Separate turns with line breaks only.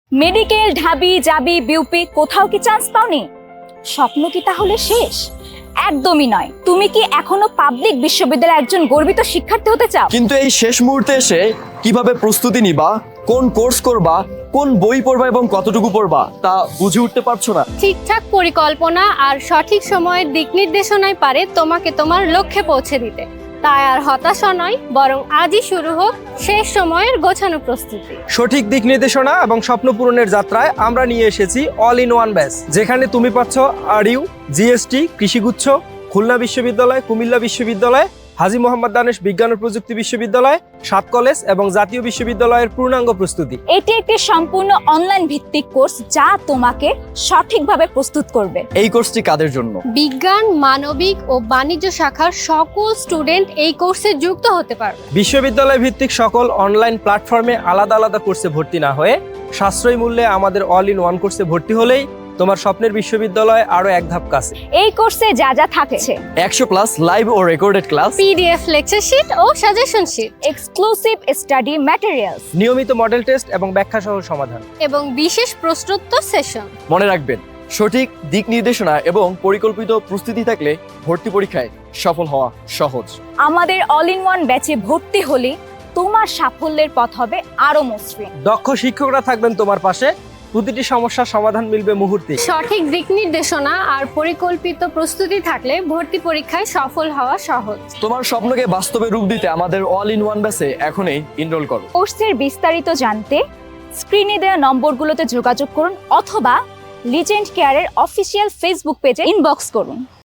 Medical, ঢাবি, জাবি, BUP কোথাও কি চান্স পাওনি? স্বপ্ন কি তাহলে শেষ? একদমই নয়। তুমি কি এখনো পাবলিক বিশ্ববিদ্যালয়ের একজন গর্বিত শিক্ষার্থী হতে চাও?
কিন্তু এই শেষ মুহূর্তে এসে কিভাবে প্রস্তুতি নিবা, কোন কোর্স করবা, কোন বই পড়বা এবং কতটুকু পড়বা তা বুঝে উঠতে পারছো না?
ঠিকঠাক পরিকল্পনা আর সঠিক সময়ের দিক নির্দেশনাই পারে তোমাকে তোমার লক্ষ্যে পৌঁছে দিতে। তাই আর হতাশা নয়, বরং আজই শুরু হোক শেষ সময়ের গোছানো প্রস্তুতি।
সঠিক দিক নির্দেশনা এবং স্বপ্ন পূরণের যাত্রায় আমরা নিয়ে এসেছি অল ইন ওয়ান ব্যাচ, যেখানে তুমি পাচ্ছ আরইউ, জিএসটি, কৃষিগুচ্ছ, খুলনা বিশ্ববিদ্যালয়, কুমিল্লা বিশ্ববিদ্যালয়, হাজী মোহাম্মদ দানেশ বিজ্ঞান ও প্রযুক্তি বিশ্ববিদ্যালয়, ৭ কলেজ এবং জাতীয় বিশ্ববিদ্যালয়ের পূর্ণাঙ্গ প্রস্তুতি।
এটি একটি সম্পূর্ণ অনলাইন ভিত্তিক কোর্স যা তোমাকে সঠিকভাবে প্রস্তুত করবে।
এই কোর্সটি কাদের জন্য?
বিজ্ঞান, মানবিক ও বাণিজ্য শাখার সকল স্টুডেন্ট এই কোর্সে যুক্ত হতে পারবে।
বিশ্ববিদ্যালয় ভিত্তিক সকল অনলাইন প্ল্যাটফর্মে আলাদা আলাদা কোর্সে ভর্তি না হয়ে সাশ্রয়ী মূল্যে আমাদের অল ইন ওয়ান কোর্সে ভর্তি হলেই তোমার স্বপ্নের বিশ্ববিদ্যালয় আরো এক ধাপ কাছে।
এই কোর্সে যা যা থাকছে:
100+ লাইভ ও recorded class,
PDF lecture sheet ও suggestion sheet,
exclusive study materials,
নিয়মিত মডেল টেস্ট এবং ব্যাখ্যা সহ সমাধান
এবং বিশেষ প্রশ্নোত্তর সেশন।
মনে রাখবেন, সঠিক দিক নির্দেশনা এবং পরিকল্পিত প্রস্তুতি থাকলে ভর্তি পরীক্ষায় সফল হওয়া সহজ।
আমাদের অল ইন ওয়ান ব্যাচে ভর্তি হলে তোমার সাফল্যের পথ হবে আরো মসৃণ।
দক্ষ শিক্ষকরা থাকবেন তোমার পাশে, প্রতিটি সমস্যার সমাধান মিলবে মুহূর্তে।
সঠিক দিক নির্দেশনা আর পরিকল্পিত প্রস্তুতি থাকলে ভর্তি পরীক্ষায় সফল হওয়া সহজ।
তোমার স্বপ্নকে বাস্তবে রূপ দিতে আমাদের অল ইন ওয়ান ব্যাচে এখনই এনরোল করো।
কোর্সের বিস্তারিত জানতে স্ক্রিনে দেওয়া নম্বরগুলোতে যোগাযোগ করুন অথবা লিজেন্ড কেয়ারের অফিসিয়াল ফেসবুক পেজে ইনবক্স করুন।